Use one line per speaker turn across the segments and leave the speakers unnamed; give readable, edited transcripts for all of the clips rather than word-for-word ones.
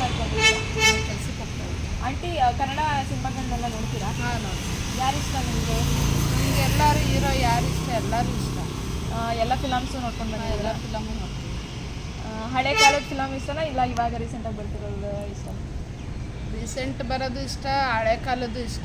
ಮಾಡ್ಕೊಂಡಿದ್ದೀರಾ?
ಕೆಲಸಕ್ಕೆ ಹೋಗ್ತಾ ಇದ್ದೆ.
ಆಂಟಿ ಕನ್ನಡ ಸಿನಿಮಾಗಳನ್ನೆಲ್ಲ ನೋಡ್ತೀರಾ?
ಹಾಂ ನೋಡಿ.
ಯಾರು ಇಷ್ಟ ನಿಮಗೆ?
ನಮಗೆ ಎಲ್ಲರೂ ಹೀರೋ ಯಾರು ಇಷ್ಟ, ಎಲ್ಲರೂ ಇಷ್ಟ.
ಎಲ್ಲ ಫಿಲಮ್ಸು ನೋಡ್ಕೊಂಡು
ಎಲ್ಲ
ಬಂದಿದ್ದೀರಾ?
ಫಿಲಮು ನೋಡ್ತೀವಿ.
ಹಳೆ ಕಾಲದ ಫಿಲಮ್ ಇಷ್ಟನಾ ಇಲ್ಲ ಇವಾಗ ರೀಸೆಂಟಾಗಿ ಬರ್ತಿರೋದು ಇಷ್ಟ?
ರೀಸೆಂಟ್ ಬರೋದು ಇಷ್ಟ, ಹಳೆ ಕಾಲದ್ದು ಇಷ್ಟ.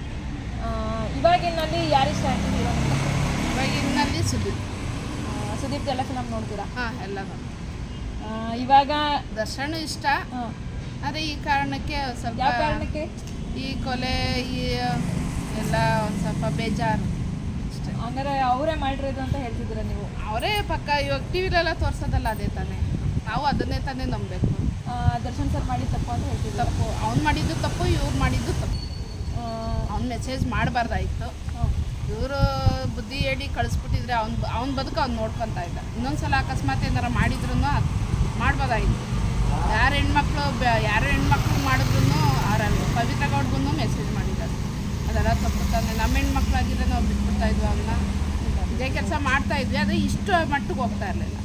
ಇವಾಗಿನಲ್ಲಿ ಯಾರು ಇಷ್ಟ ಆಂಟಿ ಹೀರೋ?
ಇವಾಗಿನಲ್ಲಿ ಸುದೀಪ್.
ಸುದೀಪ್ ಎಲ್ಲ ಫಿಲಮ್ ನೋಡ್ತೀರಾ?
ಹಾಂ ಎಲ್ಲ ನೋಡಿ.
ಇವಾಗ
ದರ್ಶನ ಇಷ್ಟ. ಆದರೆ ಈ ಕಾರಣಕ್ಕೆ ಸ್ವಲ್ಪ
ಯಾವ ಕಾರಣಕ್ಕೆ?
ಈ ಕೊಲೆ ಈ ಎಲ್ಲ ಒಂದು ಸ್ವಲ್ಪ ಬೇಜಾರು ಅಷ್ಟೇ.
ಹಂಗಾರೆ ಅವರೇ ಮಾಡಿರೋದು ಅಂತ ಹೇಳ್ತಿದ್ದೀರಾ ನೀವು?
ಅವರೇ ಪಕ್ಕ ಇವಾಗ ಟಿ ವಿಲೆಲ್ಲ ತೋರಿಸೋದಲ್ಲ ಅದೇ ತಾನೇ, ನಾವು ಅದನ್ನೇ ತಾನೇ ನಂಬಬೇಕು.
ದರ್ಶನ್ ಸರ್ ಮಾಡಿದ ತಪ್ಪು ಅಂತ ಹೇಳ್ತಿದ್ರು.
ತಪ್ಪು ಅವ್ನು ಮಾಡಿದ್ದು ತಪ್ಪು, ಇವ್ರು ಮಾಡಿದ್ದು ತಪ್ಪು. ಅವ್ನು ಮೆಸೇಜ್ ಮಾಡಬಾರ್ದಾಯಿತು. ಇವರು ಬುದ್ಧಿ ಹೇಳಿ ಕಳಿಸ್ಬಿಟ್ಟಿದ್ರೆ ಅವ್ನ ಬದುಕು ಅವ್ನು ನೋಡ್ಕೊತಾ ಇದ್ದ. ಇನ್ನೊಂದ್ಸಲ ಅಕಸ್ಮಾತ್ ಏನಾರು ಮಾಡಿದ್ರು ಮಾಡ್ಬೋದಾಗಿತ್ತು. ಯಾರು ಹೆಣ್ಮಕ್ಳು ಮಾಡಿದ್ರು ಅವರಲ್ಲಿ ಪವಿತ್ರ ಗೌಡ್ಗೂ ಮೆಸೇಜ್ ಮಾಡಿದ್ದಾರೆ. ಅದೆಲ್ಲ ತಪ್ಪು ತಾನೆ. ನಮ್ಮ ಹೆಣ್ಮಕ್ಳಾಗಿದ್ರೆ ನಾವು ಬಿಟ್ಬಿಡ್ತಾ ಇದ್ವಿ, ಅವನ್ನ ಇದೇ ಕೆಲಸ ಮಾಡ್ತಾ ಇದ್ವಿ. ಆದರೆ ಇಷ್ಟು ಮಟ್ಟಿಗೆ ಹೋಗ್ತಾ ಇರಲಿಲ್ಲ.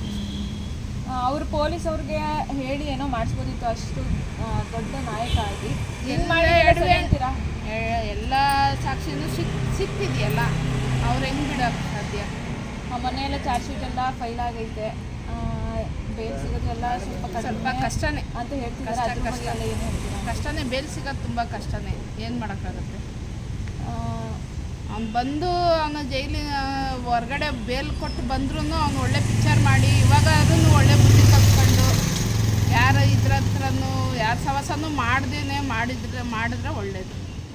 ಅವರು ಪೊಲೀಸ್ ಅವ್ರಿಗೆ ಹೇಳಿ ಏನೋ ಮಾಡಿಸ್ಬೋದಿತ್ತು, ಅಷ್ಟು ದೊಡ್ಡ ನಾಯಕ ಆಗಿ ಅಂತೀರಾ?
ಎಲ್ಲ ಸಾಕ್ಷಿನೂ ಸಿಕ್ತಿದೆಯಲ್ಲ, ಅವ್ರು ಹೆಂಗೆ ಬಿಡೋಕ್ಕೆ ಸಾಧ್ಯ?
ಮನೆಯೆಲ್ಲ ಚಾರ್ಜ್ ಶೀಟ್ ಎಲ್ಲ ಫೈಲ್ ಆಗೈತೆ, ಬೇಲ್ ಸಿಗೋದೆಲ್ಲ ಸ್ವಲ್ಪ
ಕಷ್ಟನೇ
ಅಂತ ಹೇಳ್ತಿದ್ದಾರೆ.
ಕಷ್ಟನೇ, ಬೇಲ್ ಸಿಗೋದು ತುಂಬ ಕಷ್ಟನೇ. ಏನು ಮಾಡೋಕ್ಕಾಗುತ್ತೆ? ಅವ್ನು ಬಂದು ಅವನು ಜೈಲಿನ ಹೊರಗಡೆ ಬೇಲ್ ಕೊಟ್ಟು ಬಂದ್ರೂ ಅವ್ನು ಒಳ್ಳೆ ಪಿಕ್ಚರ್ ಮಾಡಿ ಇವಾಗ ಅದನ್ನು ಒಳ್ಳೆ ಬುದ್ಧಿ ಕಲ್ತ್ಕೊಂಡು ಯಾರು ಇದ್ರ ಹತ್ರನೂ ಯಾರ ಸವಾಸನೂ ಮಾಡಿದ್ರೆ ಒಳ್ಳೇದು.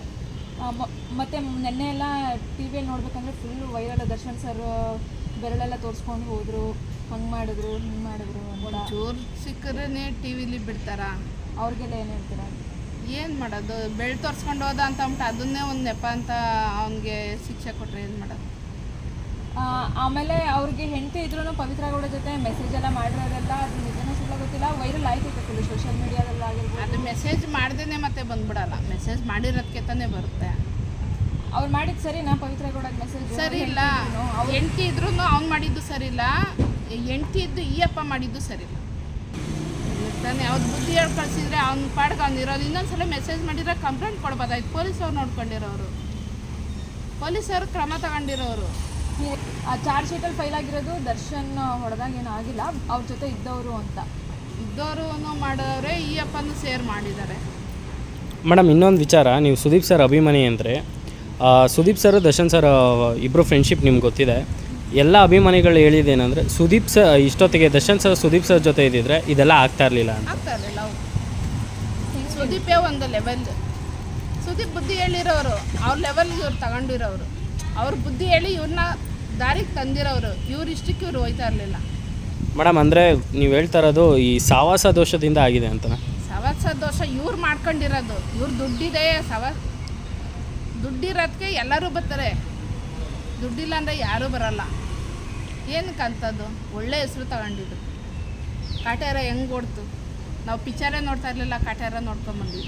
ಮತ್ತು ನೆನ್ನೆ ಎಲ್ಲ ಟಿ ವಿಯಲ್ಲಿ ನೋಡ್ಬೇಕಂದ್ರೆ ಫುಲ್ಲು ವೈರಲ್. ದರ್ಶನ್ ಸರ್ ಬೆರಳೆಲ್ಲ ತೋರಿಸ್ಕೊಂಡು ಹೋದರು, ಹಂಗೆ ಮಾಡಿದ್ರು ಹಿಂಗೆ ಮಾಡಿದ್ರು ಅಂತ.
ಒಂಚೂರು ಸಿಕ್ಕರೇ ಟಿ ವಿಲಿ ಬಿಡ್ತಾರ.
ಅವ್ರಿಗೆಲ್ಲ ಏನು ಹೇಳ್ತೀರಾ?
ಏನು ಮಾಡೋದು? ಬೆಳೆ ತೋರಿಸ್ಕೊಂಡು ಹೋದ ಅಂತ ಅಂದ್ಬಿಟ್ಟು ಅದನ್ನೇ ಒಂದು ನೆಪ ಅಂತ ಅವನಿಗೆ ಶಿಕ್ಷೆ ಕೊಟ್ಟರೆ ಏನು ಮಾಡೋದು?
ಆಮೇಲೆ ಅವ್ರಿಗೆ ಹೆಂಡತಿ ಇದ್ರೂ ಪವಿತ್ರ ಗೌಡ ಜೊತೆ ಮೆಸೇಜ್ ಎಲ್ಲ ಮಾಡಿರೋದೆಲ್ಲ ಅದು ನಿಜನೂ ಸುಳ್ಳ ಗೊತ್ತಿಲ್ಲ, ವೈರಲ್ ಆಯ್ತೈತೆ ಫುಲ್ ಸೋಷಿಯಲ್ ಮೀಡಿಯಾದಲ್ಲಿ ಆಗಿರ್ಬೋದು.
ಅದು ಮೆಸೇಜ್ ಮಾಡ್ದೇ ಮತ್ತೆ ಬಂದ್ಬಿಡಲ್ಲ, ಮೆಸೇಜ್ ಮಾಡಿರೋದಕ್ಕೆ ತಾನೇ ಬರುತ್ತೆ.
ಅವ್ರು ಮಾಡಿದ್ದು ಸರಿನಾ? ಪವಿತ್ರ ಗೌಡಗೆ ಮೆಸೇಜ್
ಸರಿ ಇಲ್ಲ. ಹೆಂಡತಿ ಇದ್ರೂ ಅವ್ನು ಮಾಡಿದ್ದು ಸರಿ ಇಲ್ಲ, ಹೆಂಡತಿ ಇದ್ದು ಈ ಅಪ್ಪ ಮಾಡಿದ್ದು ಸರಿ ಇಲ್ಲ ತಾನೇ. ಅವ್ರು ಬುದ್ಧಿ ಹೇಳಿ ಕಳಿಸಿದ್ರೆ ಅವ್ನ ಪಾಡ್ಗೆ ಅವ್ನು ಇರೋದು. ಇನ್ನೊಂದ್ಸಲ ಮೆಸೇಜ್ ಮಾಡಿದ್ರೆ ಕಂಪ್ಲೇಂಟ್ ಕೊಡ್ಬೋದಾಯ್ತು. ಪೊಲೀಸವ್ರು ನೋಡ್ಕೊಂಡಿರೋರು, ಪೊಲೀಸರು ಕ್ರಮ ತಗೊಂಡಿರೋರು.
ಚಾರ್ಜ್ ಶೀಟಲ್ಲಿ ಫೈಲ್ ಆಗಿರೋದು ದರ್ಶನ್ ಹೊಡೆದಾಗ ಏನೂ ಆಗಿಲ್ಲ, ಅವ್ರ ಜೊತೆ ಇದ್ದವರು ಅಂತ.
ಇದ್ದವರು ಮಾಡೋರೆ, ಈ ಅಪ್ಪನೂ ಸೇರ್ ಮಾಡಿದ್ದಾರೆ.
ಮೇಡಮ್ ಇನ್ನೊಂದು ವಿಚಾರ, ನೀವು ಸುದೀಪ್ ಸರ್ ಅಭಿಮಾನಿ ಅಂದರೆ ಸುದೀಪ್ ಸರ್ ದರ್ಶನ್ ಸರ್ ಇಬ್ಬರು ಫ್ರೆಂಡ್ಶಿಪ್ ನಿಮ್ಗೆ ಗೊತ್ತಿದೆ. ಎಲ್ಲ ಅಭಿಮಾನಿಗಳು ಹೇಳಿದ್ದೇನೆಂದರೆ ಸುದೀಪ್ ಸರ್ ಇಷ್ಟೊತ್ತಿಗೆ ದರ್ಶನ್ ಸರ್ ಸುದೀಪ್ ಸರ್ ಜೊತೆ ಇದ್ದಿದ್ರೆ ಇದೆಲ್ಲ ಆಗ್ತಾ ಇರಲಿಲ್ಲ ಅಂತ.
ಆಗ್ತಾ ಇರಲಿಲ್ಲ. ಸುದೀಪೇ ಒಂದು ಲೆವೆಲ್. ಸುದೀಪ್ ಬುದ್ಧಿ ಹೇಳಿರೋರು, ಅವ್ರ ಲೆವೆಲ್ಗೆ ಇವ್ರು ತಗೊಂಡಿರೋರು, ಅವ್ರ ಬುದ್ಧಿ ಹೇಳಿ ಇವ್ರನ್ನ ದಾರಿಗೆ ತಂದಿರೋರು. ಇವ್ರು ಇಷ್ಟಕ್ಕೆ ಇವ್ರು ಹೋಯ್ತಾ ಇರಲಿಲ್ಲ.
ಮೇಡಮ್ ಅಂದರೆ ನೀವು ಹೇಳ್ತಾ ಇರೋದು ಈ ಸಾವಾಸ ದೋಷದಿಂದ ಆಗಿದೆ ಅಂತ?
ಸವಾಸ ದೋಷ ಇವ್ರು ಮಾಡ್ಕೊಂಡಿರೋದು. ಇವ್ರು ದುಡ್ಡಿದೆ, ದುಡ್ಡಿರೋದಕ್ಕೆ ಎಲ್ಲರೂ ಬರ್ತಾರೆ. ದುಡ್ಡಿಲ್ಲ ಅಂದರೆ ಯಾರೂ ಬರಲ್ಲ. ಏನಕ್ಕಂಥದ್ದು? ಒಳ್ಳೆ ಹೆಸರು ತಗೊಂಡಿದ್ದು. ಕಾಟೇರ ಹೆಂಗೆ ಓಡ್ತು? ನಾವು ಪಿಕ್ಚರೇ ನೋಡ್ತಾ ಇರಲಿಲ್ಲ, ಕಾಟೇರ ನೋಡ್ಕೊಂಬಂದ್ವಿ.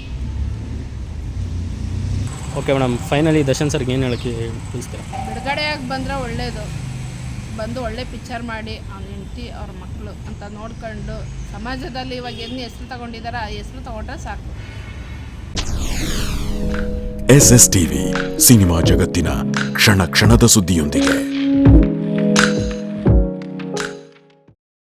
ಓಕೆ ಮೇಡಮ್, ಫೈನಲಿ ದರ್ಶನ್ ಸರ್ಗೆ ಏನು ಹೇಳೋಕ್ಕೆ ತಿಳಿಸ್ತೀರಾ?
ಬಿಡುಗಡೆಯಾಗಿ ಬಂದರೆ ಒಳ್ಳೆಯದು. ಬಂದು ಒಳ್ಳೆ ಪಿಕ್ಚರ್ ಮಾಡಿ ಅವ್ನ ಹೆಂಡತಿ ಅವ್ರ ಮಕ್ಕಳು ಅಂತ ನೋಡ್ಕೊಂಡು ಸಮಾಜದಲ್ಲಿ ಇವಾಗ ಏನು ಹೆಸರು ತಗೊಂಡಿದ್ದಾರೆ ಆ ಹೆಸರು ತಗೊಂಡ್ರೆ ಸಾಕು.
SS TV ಸಿನಿಮಾ ಜಗತ್ತಿನ ಕ್ಷಣ ಕ್ಷಣದ ಸುದ್ದಿಯೊಂದಿಗೆ.